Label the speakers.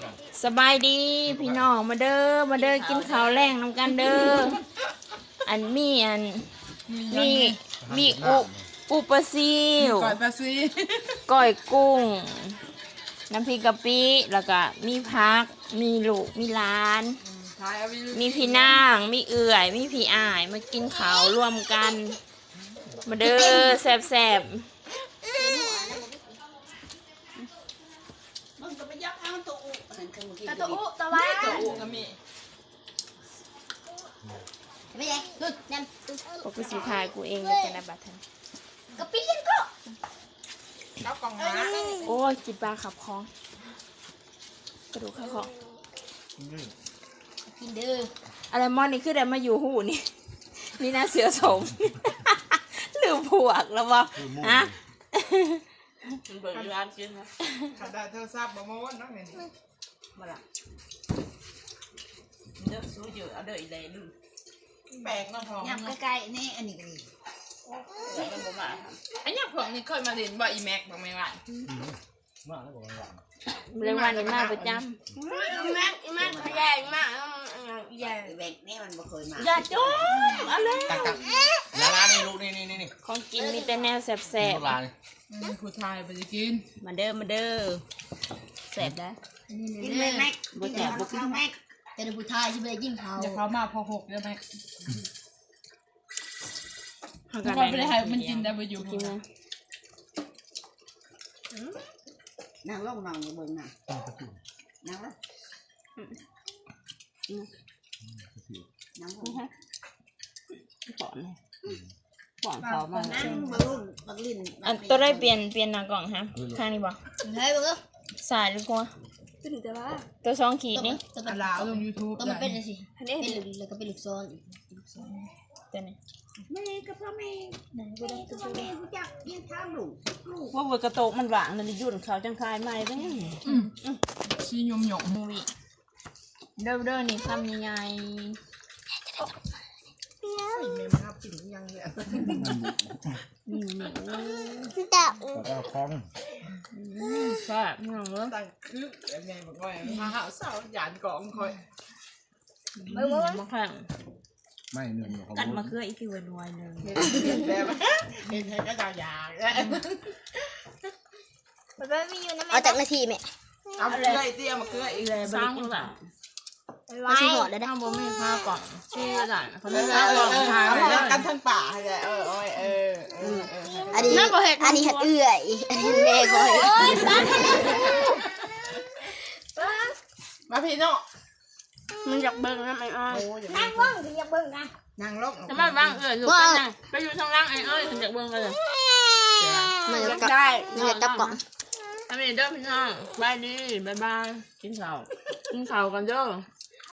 Speaker 1: สบายดีพี่น้องมาเด้อกินข้าวแรงน้ำกันเด้อมีอุปลาซิว
Speaker 2: ก่อยปลาซี
Speaker 1: ก้อยกุ้งน้ำพริกกะปิแล้วก็มีผักมีลูกมีหลานมีพี่นางมีเอื่อยมีพี่อ้ายมากินข้าวร่วมกันมาเด้อแซ่บ
Speaker 3: ตะตุตะวัน
Speaker 2: ก็มี
Speaker 3: ไม่ใช่ดูนั่น
Speaker 1: ๆกูสิทายกูเองเลยจะนะบัดทัน
Speaker 3: กะปิฉันก็
Speaker 2: ข้าวกล่องนะ
Speaker 1: โอ้ยกินปลาขับคองกระดูกข้าวคอง
Speaker 3: กินดื้อ
Speaker 1: อะไรมอนนี่คือได้มาอยู่หูนี่ นี่น่าเสือสม ลืมผัวกแล้ววะฮะ
Speaker 2: เบิกร้านกินนะขัดได้เธอทราบบะม้วนน้องเห็นมาละเด้อสู้เยอะเอาเด้ออีเลยดูแปลกเนาะทอง
Speaker 3: ยำใกล้ๆนี่อันนี้ก็ดี
Speaker 2: มันบ่มาไอ้เนี่ยพวกนี้เคยมาเรียนบ่อีแม็กบ้างไหมวะ
Speaker 4: มาแล้วบอกว่า
Speaker 1: เรื่องวันนี้มาประจ
Speaker 3: แม่ใหญ่มากใหญ่แบกนี่มันบ่เคยมา
Speaker 1: ำอย่าจุ๊บเอาเลย
Speaker 4: ตักแล้วร้านนี่ลูกนี่
Speaker 1: ของกินมีแต่แนวแสบ
Speaker 4: ลูกร้าน
Speaker 2: ผู้ชายไปจะกิน
Speaker 1: ๆมาเด้อแสบได้
Speaker 3: กินเลยแม็กบุแจกบุกินแม็กแต่ดูผู้ชายที่ไม่ได้ยิ่งเขา
Speaker 2: อย่าเขามาพอหกเด้อแม็ก
Speaker 1: เขา
Speaker 2: เราไม่ได้ให้มันกินได้ไปอยู่
Speaker 1: กินนะ
Speaker 3: นั่งลงนั่งอยู่เบิ่งน่ะนั่งละนั่งลง
Speaker 1: ป้อนเขามา
Speaker 3: นั่งบังบังลิ้น
Speaker 1: อันตัวได้เปลี่ยนหน้ากล่องฮะข้างนี้บ่
Speaker 3: เฮ้ยบัง
Speaker 1: สายหรือกว่าตัวสองขีดนี่
Speaker 3: ตัว
Speaker 2: อาลาลงยูทูบ
Speaker 3: มันเป็นอะไรสิเป็นหลุดแล้วก็เป็นหลุดซ้อน
Speaker 1: ตัวนี้
Speaker 3: แม่กับพ่อแม่แม่กับพ่อแม่รู้จักยิ่งทำลูก
Speaker 1: ว่าเวอร์กระโตกมันหวานนั่นยุ่นเขาจังคายใหม่เป็นยัง
Speaker 2: ชี้ยมหยง
Speaker 1: มูวิเด้อนี่คำใหญ่
Speaker 2: เมมครับกินยังเนี่ย
Speaker 4: แล้วก็คล้อง
Speaker 1: ๆก็พี่น้องเนาะ
Speaker 2: ตั้งคือยังไงบอกว่ามาหาสาวหยานกองคอย
Speaker 1: มาแข่ง
Speaker 4: ไม่หนึ่งของ
Speaker 1: กัดมาเคืออีกทีวันวยหนึ่ง
Speaker 2: เห็นแบบเห็นให้ก็จะอยาก
Speaker 3: เอาจากนาทีแม่
Speaker 2: เอาเกลือเตี้ยมาเกลืออีก
Speaker 1: เลยสร้างหลัง
Speaker 3: มาชิหอดแล้วได้
Speaker 1: ข้างบนไม่ผ้าก่อนชื่ออะไรเขา
Speaker 2: เอ
Speaker 1: เรีย
Speaker 2: อก
Speaker 1: ว่าก่อนทาง
Speaker 2: เอากันทั้งป่าเลย
Speaker 3: อันนี้อันนี้เห็ดเอื่อยอันนี้แม่ก็เห็ด
Speaker 2: มาพี่น้อง
Speaker 1: มันอยากเบิ่งนะไอ้อ้อย
Speaker 3: นั่งว่างถึงจะเบิ่งนะ
Speaker 2: นั่งลง
Speaker 1: จะมาบ้างลูกกันนะไปอยู่ทางล่างไอ้อ้อยถึงอยากเบิ่งเลย
Speaker 3: มันจะ
Speaker 1: ได้
Speaker 3: มันจะจับกล่อง
Speaker 1: ทำเองเด้อพี่น้องบายดีบายกินข้าวกันเด้อ